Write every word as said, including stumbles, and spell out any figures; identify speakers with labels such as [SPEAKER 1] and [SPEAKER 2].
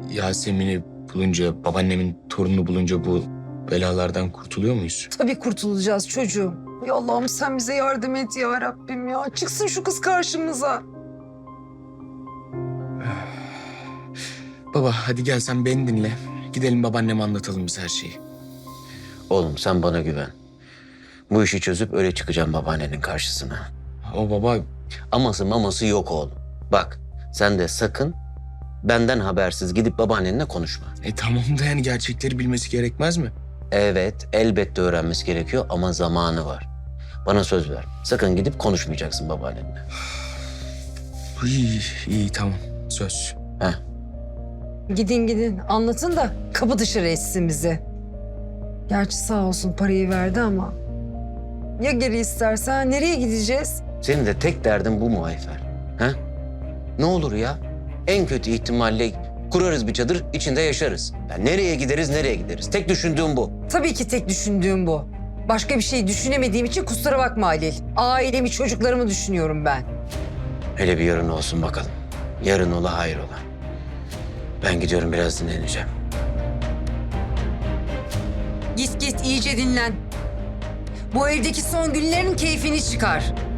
[SPEAKER 1] Yasemin'i bulunca, babaannemin torununu bulunca bu belalardan kurtuluyor muyuz?
[SPEAKER 2] Tabii kurtulacağız çocuğum. Ya Allah'ım sen bize yardım et ya Rabbim ya. Çıksın şu kız karşımıza.
[SPEAKER 1] Baba hadi gel sen beni dinle. Gidelim babaanneme anlatalım biz her şeyi.
[SPEAKER 3] Oğlum sen bana güven. Bu işi çözüp öyle çıkacağım babaannenin karşısına.
[SPEAKER 1] O baba
[SPEAKER 3] Aması maması yok oğlum. Bak sen de sakın benden habersiz gidip babaannenle konuşma.
[SPEAKER 1] e tamam da yani gerçekleri bilmesi gerekmez mi?
[SPEAKER 3] Evet elbette öğrenmesi gerekiyor ama zamanı var. Bana söz ver. Sakın gidip konuşmayacaksın babaannenle.
[SPEAKER 1] İyi, iyi tamam söz.
[SPEAKER 3] Heh.
[SPEAKER 2] Gidin gidin anlatın da kapı dışarı etsin bizi. Gerçi sağ olsun parayı verdi ama. Ya geri istersen nereye gideceğiz?
[SPEAKER 3] Senin de tek derdin bu mu Ayfer? Ha? Ne olur ya? En kötü ihtimalle kurarız bir çadır, içinde yaşarız. Ya nereye gideriz, nereye gideriz? Tek düşündüğüm bu.
[SPEAKER 2] Tabii ki tek düşündüğüm bu. Başka bir şey düşünemediğim için kusura bakma Halil. Ailemi, çocuklarımı düşünüyorum ben.
[SPEAKER 3] Hele bir yarın olsun bakalım. Yarın ola hayır ola. Ben gidiyorum biraz dinleneceğim.
[SPEAKER 2] Git git iyice dinlen. Bu evdeki son günlerin keyfini çıkar.